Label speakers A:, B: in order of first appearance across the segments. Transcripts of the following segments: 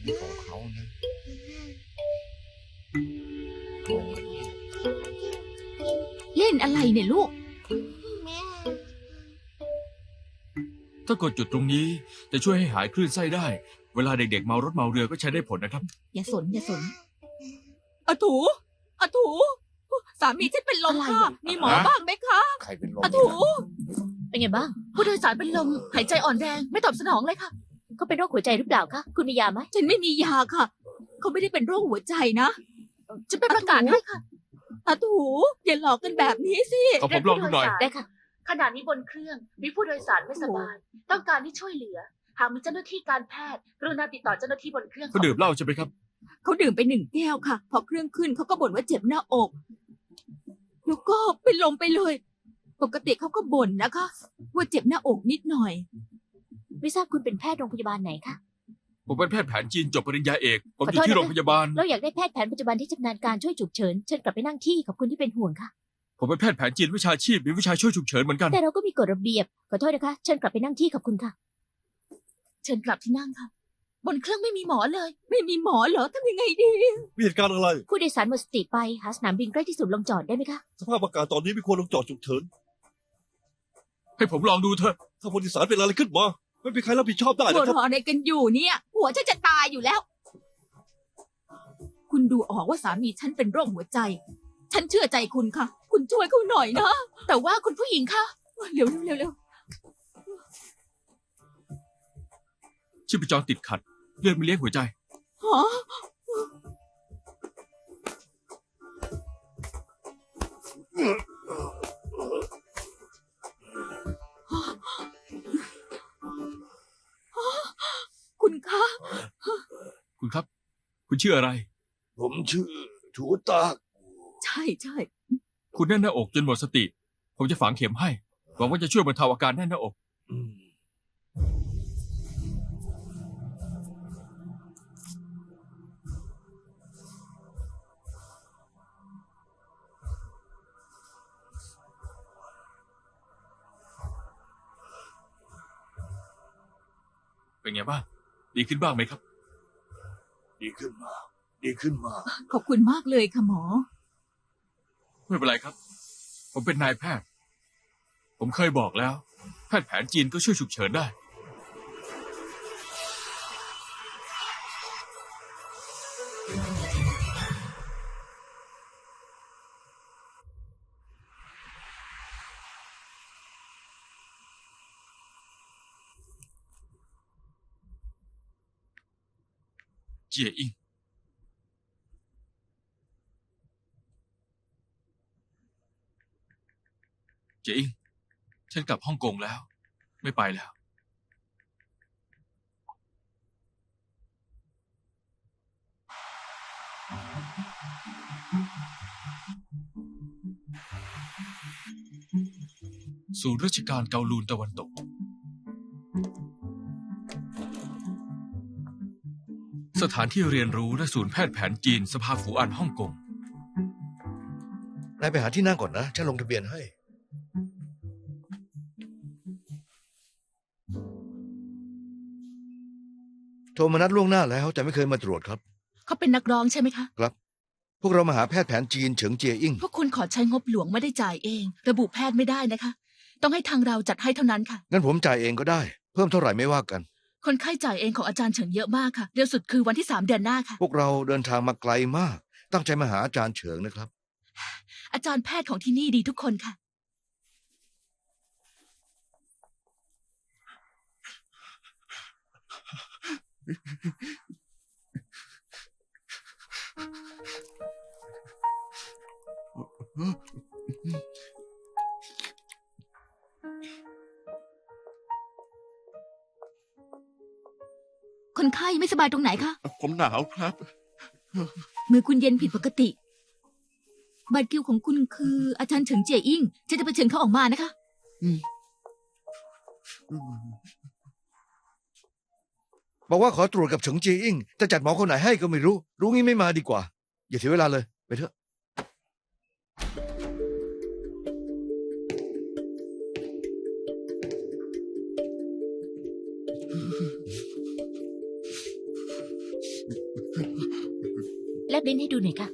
A: ของเขานะโอ้ย
B: เล่นอะไรเนี่ยลูก
C: ถ้ากดจุดตรงนี้จะช่วยให้หายคลื่นไส้ได้ เวลาเด็กๆเมารถเมาเรือก็ใช้ได้ผลนะครับ
B: อย่าสนอย่าสน
D: อาถูอาถูสามีฉันเป็นลมค่ะ มีหมอบ้างไหมคะ
A: ใครเป็นลม
D: อาถู
B: เป็นไงบ้าง
D: ผู้โดยสารเป็นลมหายใจอ่อนแรงไม่ตอบสนองเลยค่ะ
B: เขาเป็นโรคหัวใจหรือเปล่าคะคุณมียาไหม
D: ฉันไม่มียาค่ะ เขาไม่ได้เป็นโรคหัวใจนะจะไปประกาศให้ค่ะอาถูอย่าหลอกกันแบบนี้สิ
C: ขอผมลองดูหน่อย
B: ได้ค่ะ
E: ขณะนี้บนเครื่องมีผู้โดยสารไม่สบาย ต้องการให้ช่วยเหลือ หากมีเจ้าหน้าที่การแพทย์กรุณาติดต่อเจ้าหน้าที่บนเครื่อง
C: เขาดื่มเหล้าใช่ไหมครับ
D: เขาดื่มไป1 แก้วค่ะ พอเครื่องขึ้นเขาก็บ่นว่าเจ็บหน้าอกแล้วก็เป็นลมไปเลย ปกติเขาก็บ่นนะคะ ว่าเจ็บหน้าอกนิดหน่อย
B: ไม่ทราบคุณเป็นแพทย์โรงพยาบาลไหนคะ
C: ผมเป็นแพทย์แผนจีนจบปริญญาเอก ผมอ
B: ขอโทษ
C: ยู่ที่
B: นะคะ
C: โรงพยาบาล
B: เราอยากได้แพทย์แผนปัจจุบันที่ชำนาญการช่วยฉุกเฉินเชิญกลับไปนั่งที่ขอบคุณที่เป็นห่วงค่ะ
C: ผมเป็นแพทย์แผนจีนวิชาชีพมีวิชาช่วยฉุกเฉินเหมือนกัน
B: แต่เราก็มีกฎระเบียบขอโทษนะคะเชิญกลับไปนั่งที่ขอบคุณค่ะ
D: เชิญกลับที่นั่งค่ะ บนเครื่องไม่มีหมอเลย ไม่มีหมอเหรอทำยังไงดี
F: มีเหตุการณ์อะไร
B: ผู้โดยสารหมดสติไปหาสนามบินใกล้ที่สุดลงจอดได้ไหมคะ
F: สภาพอากาศตอนนี้ไม่ควรลงจอดฉุกเฉิน
C: ให้ผมลองดูเถอะ
F: ถ้าผู้โดยสารเป็นอะไรขึ้นมา ไม่มีใครรับผิดชอบได้
D: หัว
F: นะครับ
D: เราะอะไรกันอยู่เนี่ย หัวฉันจะตายอยู่แล้ว คุณดูออกว่าสามีฉันเป็นโรคหัวใจ ฉันเชื่อใจคุณค่ะ คุณช่วยเขาหน่อยนะ แต่ว่าคุณผู้หญิงคะเร็วเร็วเร็ว
C: ชีพจรติดขัด เลือดไม่เลี้ยงหัวใจ
D: ฮะคุณคะ
C: คุณครับ คุณชื่ออะไร
A: ผมชื่อถูตาก
D: ใช่ใช่
C: คุณแน่นหน้าอกจนหมดสติ ผมจะฝังเข็มให้ หวังว่าจะช่วยบรรเทาอาการแน่นหน้าอก
A: อืม
C: เป็นไงบ้าง ดีขึ้นบ้างไหมครับ
A: ดีขึ้นมา ดีขึ้นมา
D: ขอบคุณมากเลยค่ะหมอ
C: ไม่เป็นไรครับ ผมเป็นนายแพทย์ ผมเคยบอกแล้ว แพทย์แผนจีนก็ช่วยฉุกเฉินได้ เจียอิง เจียอิง ฉันกลับฮ่องกงแล้ว ไม่ไปแล้ว ศูนย์ราชการเกาลูนตะวันตก สถานที่เรียนรู้และศูนย์แพทย์แผนจีนสภาฝูอันฮ่องกง
G: นายไปหาที่นั่งก่อนนะ ฉันลงทะเบียนให้ โทรมานัดล่วงหน้าแล้วแต่ไม่เคยมาตรวจครับ
D: เขาเป็นนักร้องใช่ไหมคะ
G: ครับ พวกเรามาหาแพทย์แผนจีนเฉิงเจียอิ่ง
D: พวกคุณขอใช้งบหลวงไม่ได้จ่ายเอง ระบุแพทย์ไม่ได้นะคะ ต้องให้ทางเราจัดให้เท่านั้นค่ะ
G: งั้นผมจ่ายเองก็ได้ เพิ่มเท่าไหร่ไม่ว่ากัน
D: คนไข้จ่ายเองของอาจารย์เฉิงเยอะมากค่ะ เร็วสุดคือวันที่3 เดือนหน้าค่ะ
G: พวกเราเดินทางมาไกลมาก ตั้งใจมาหาอาจารย์เฉิงนะครับ
D: อาจารย์แพทย์ของที่นี่ดีทุกคนค่ะ คนไข้ไม่สบายตรงไหนคะ
F: ผมหนาวครับ
D: มือคุณเย็นผิดปกติ บัตรคิวของคุณคืออาจารย์เฉิงเจียอิ่งฉันจะไปเชิญเขาออกมานะคะ
G: บอกว่าขอตรวจกับเฉิงเจียอิ่งจะจัดหมอคนไหนให้ก็ไม่รู้ รู้งี้ไม่มาดีกว่า อย่าเสียเวลาเลย ไปเถอะ
B: แลบลิ้นให้ดูหน่อยค่ะ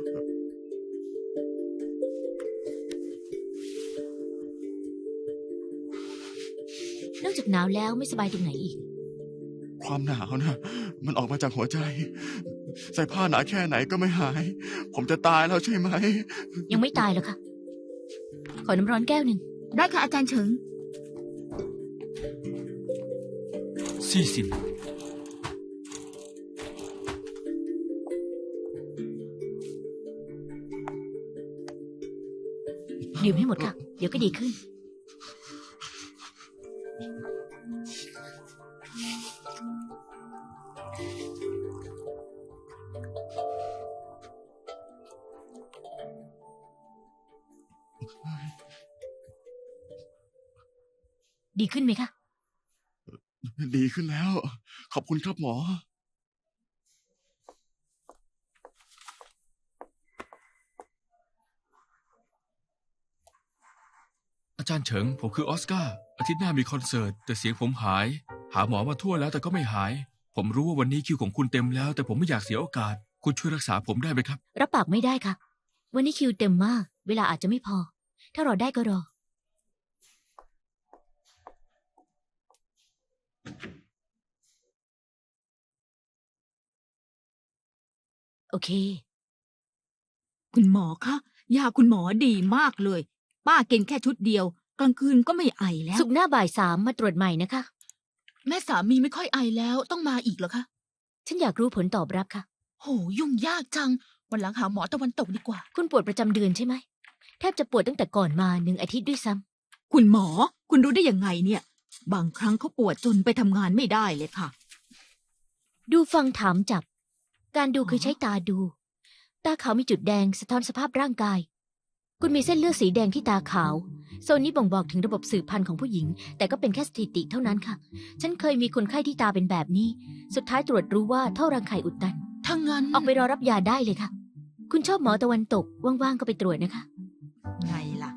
B: นอกจากหนาวแล้วไม่สบายตรงไหนอีก
H: ความหนาวนะมันออกมาจากหัวใจ ใส่ผ้าหนาแค่ไหนก็ไม่หาย ผมจะตายแล้วใช่ไหม
B: ยังไม่ตายหรอกค่ะ ขอน้ำร้อนแก้วหนึ่ง
D: ได้ค่ะอาจารย์เฉิง
C: ซี่สิน
B: ดื่มให้หมดค่ะ เดี๋ยวก็ดีขึ้น ดีขึ้นไหมคะ
H: ดีขึ้นแล้ว ขอบคุณครับหมอ
C: อาจารย์เฉิง ผมคือออสการ์อาทิตย์หน้ามีคอนเสิร์ต แต่เสียงผมหาย หาหมอมาทั่วแล้วแต่ก็ไม่หาย ผมรู้ว่าวันนี้คิวของคุณเต็มแล้ว แต่ผมไม่อยากเสียโอกาส คุณช่วยรักษาผมได้ไหมครับ
B: รับปากไม่ได้ค่ะ วันนี้คิวเต็มมาก เวลาอาจจะไม่พอ ถ้ารอได้ก็รอ โอเค
D: คุณหมอคะยาคุณหมอดีมากเลย ป้ากินแค่ชุดเดียว กลางคืนก็ไม่ไอแล้ว
B: สุกร์หน้าบ่าย 3มาตรวจใหม่นะคะ
E: แม่สามีไม่ค่อยไอแล้วต้องมาอีกเหรอคะ
B: ฉันอยากรู้ผลตอบรับค่ะ
E: โหยุ่งยากจัง วันหลังหาหมอตะวันตกดีกว่า
B: คุณปวดประจำเดือนใช่ไหม แทบจะปวดตั้งแต่ก่อนมา1 อาทิตย์ด้วยซ้ำ
D: คุณหมอ คุณรู้ได้ยังไงเนี่ย บางครั้งเขาปวดจนไปทำงานไม่ได้เลยค่ะ
B: ดูฟังถามจับ การดูคือใช้ตาดู ตาขาวมีจุดแดงสะท้อนสภาพร่างกาย คุณมีเส้นเลือดสีแดงที่ตาขาว โซนนี้บ่งบอกถึงระบบสืบพันธุ์ของผู้หญิง แต่ก็เป็นแค่สถิติเท่านั้นค่ะ ฉันเคยมีคนไข้ที่ตาเป็นแบบนี้ สุดท้ายตรวจรู้ว่าท่อรังไข่อุดตัน
E: ถ้างั้น
B: ออกไปรอรับยาได้เลยค่ะ คุณชอบหมอตะวันตก ว่างๆก็ไปตรวจนะคะ
D: ไงล่ะ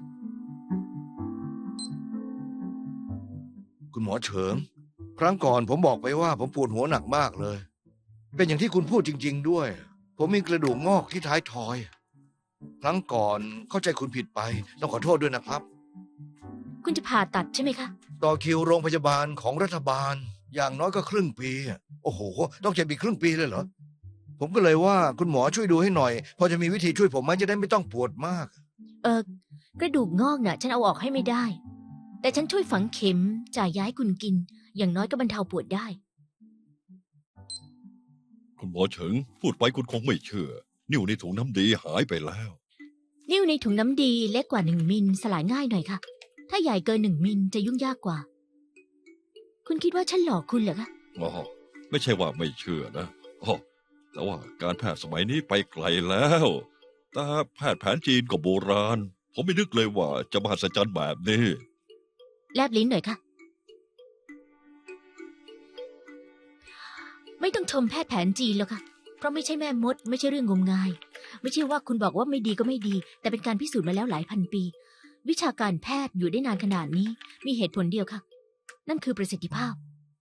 G: คุณหมอเฉิง ครั้งก่อนผมบอกไปว่าผมปวดหัวหนักมากเลย เป็นอย่างที่คุณพูดจริง ๆ ด้วย ผมมีกระดูกงอกที่ท้ายทอย ครั้งก่อนเข้าใจคุณผิดไป ต้องขอโทษด้วยนะครับ
B: คุณจะผ่าตัดใช่ไหมคะ
G: ต่อคิวโรงพยาบาลของรัฐบาล อย่างน้อยก็ครึ่งปี โอ้โห ต้องเจ็บอีกครึ่งปีเลยเหรอ ผมก็เลยว่าคุณหมอช่วยดูให้หน่อย พอจะมีวิธีช่วยผมไหมจะได้ไม่ต้องปวดมาก
B: กระดูกงอกน่ะ ฉันเอาออกให้ไม่ได้ แต่ฉันช่วยฝังเข็มจ่ายยาให้คุณกิน อย่างน้อยก็บรรเทาปวดได้
F: คุณหมอเฉิง พูดไปคุณคงไม่เชื่อ นิ้วในถุงน้ำดีหายไปแล้ว
B: นิ้วในถุงน้ำดีเล็กกว่า1 มิลสลายง่ายหน่อยค่ะ ถ้าใหญ่เกิน1 มิลจะยุ่งยากกว่า คุณคิดว่าฉันหลอกคุณเหรอคะ
F: อ๋อ ไม่ใช่ว่าไม่เชื่อนะอ๋อแต่ว่าการแพทย์สมัยนี้ไปไกลแล้ว แต่แพทย์แผนจีนก็โบราณ ผมไม่นึกเลยว่าจะมหัศจรรย์แบบนี้
B: แลบลิ้นหน่อยค่ะ ไม่ต้องชมแพทย์แผนจีนหรอกค่ะ เพราะไม่ใช่แม่มด ไม่ใช่เรื่องงมงาย ไม่ใช่ว่าคุณบอกว่าไม่ดีก็ไม่ดี แต่เป็นการพิสูจน์มาแล้วหลายพันปี วิชาการแพทย์อยู่ได้นานขนาดนี้ มีเหตุผลเดียวค่ะ นั่นคือประสิทธิภาพ